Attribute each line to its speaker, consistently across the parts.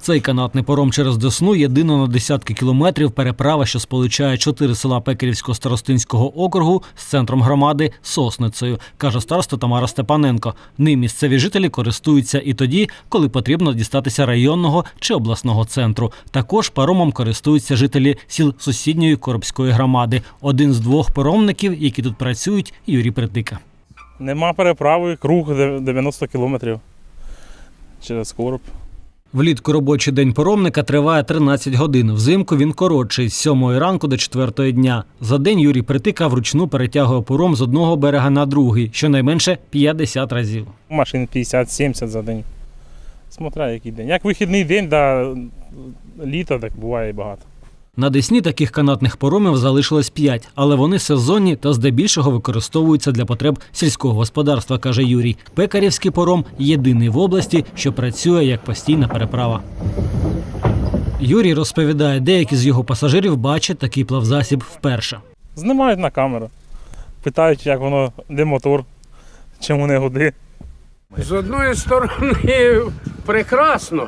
Speaker 1: Цей канатний паром через Десну – єдина на десятки кілометрів переправа, що сполучає 4 села Пекарівського старостинського округу з центром громади – Сосницею, каже староста Тамара Степаненко. Ним місцеві жителі користуються і тоді, коли потрібно дістатися районного чи обласного центру. Також паромом користуються жителі сіл сусідньої Коробської громади. Один з 2 паромників, які тут працюють – Юрій Притика.
Speaker 2: Нема переправи, круг 90 кілометрів через Короб.
Speaker 1: Влітку робочий день паромника триває 13 годин. Взимку він коротший – з 7 ранку до 4 дня. За день Юрій Притика вручну перетягує паром з одного берега на другий, щонайменше 50 разів.
Speaker 2: Машин 50-70 за день. Смотря який день. Як вихідний день, да, літо, так буває і багато.
Speaker 1: На Десні таких канатних паромів залишилось 5, але вони сезонні та здебільшого використовуються для потреб сільського господарства, каже Юрій. Пекарівський паром – єдиний в області, що працює як постійна переправа. Юрій розповідає, деякі з його пасажирів бачать такий плавзасіб вперше.
Speaker 2: Знімають на камеру, питають, як воно, де мотор, чому не гуди.
Speaker 3: З одної сторони прекрасно,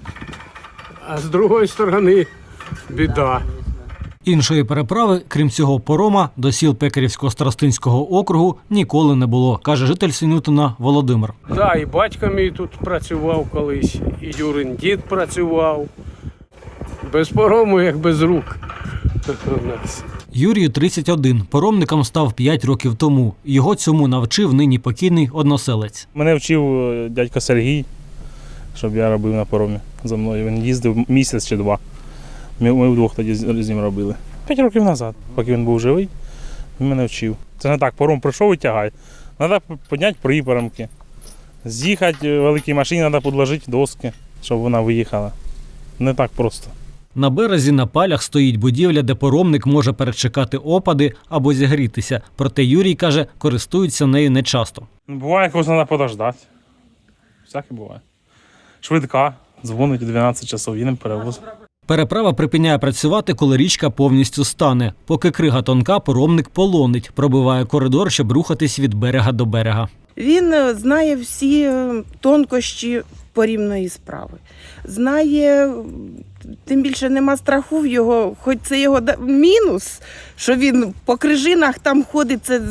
Speaker 3: а з другої сторони біда.
Speaker 1: Іншої переправи, крім цього парома, до сіл Пекарівського старостинського округу ніколи не було, каже житель Синютина Володимир.
Speaker 3: Да, і батько мій тут працював колись, і Юрин дід працював. Без парому, як без рук. У нас.
Speaker 1: Юрію 31. Паромником став 5 років тому. Його цьому навчив нині покійний односелець.
Speaker 2: Мене вчив дядько Сергій, щоб я робив на паромі за мною. Він їздив місяць чи 2. Ми вдвох тоді з ним робили. 5 років назад, поки він був живий, він мене вчив. Це не так, паром прийшов і тягай. Треба підняти припарамки. З'їхати в великій машині, треба підложити доски, щоб вона виїхала. Не так просто.
Speaker 1: На березі на палях стоїть будівля, де паромник може перечекати опади або зігрітися. Проте Юрій, каже, користується нею нечасто.
Speaker 2: Буває, когось треба подождати. Всяке буває. Швидка, дзвонить 12 часов, їдемо перевоз.
Speaker 1: Переправа припиняє працювати, коли річка повністю стане. Поки крига тонка, паромник полонить, пробиває коридор, щоб рухатись від берега до берега.
Speaker 4: Він знає всі тонкощі порівної справи. Знає, тим більше нема страху в його, хоч це його мінус, що він по крижинах там ходить, це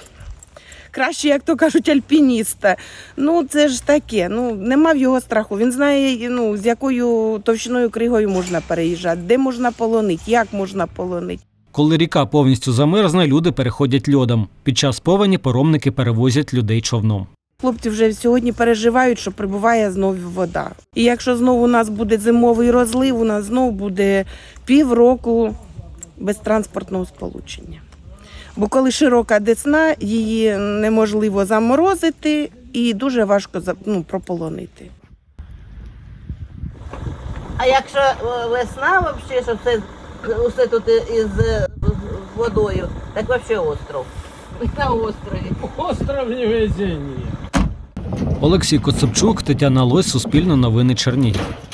Speaker 4: краще, як то кажуть, альпініста. Ну, це ж таке, нема в його страху. Він знає, з якою товщиною кригою можна переїжджати, де можна полонити, як можна полонити.
Speaker 1: Коли ріка повністю замерзне, люди переходять льодом. Під час повені паромники перевозять людей човном.
Speaker 4: Хлопці вже сьогодні переживають, що прибуває знову вода. І якщо знову у нас буде зимовий розлив, у нас знову буде півроку без транспортного сполучення. Бо коли широка Десна, її неможливо заморозити і дуже важко прополонити.
Speaker 5: А якщо весна, взагалі, що все тут із водою, так взагалі остров. На острові.
Speaker 3: Остров невезення.
Speaker 1: Олексій Коцепчук, Тетяна Лось, Суспільне новини, Чернігів.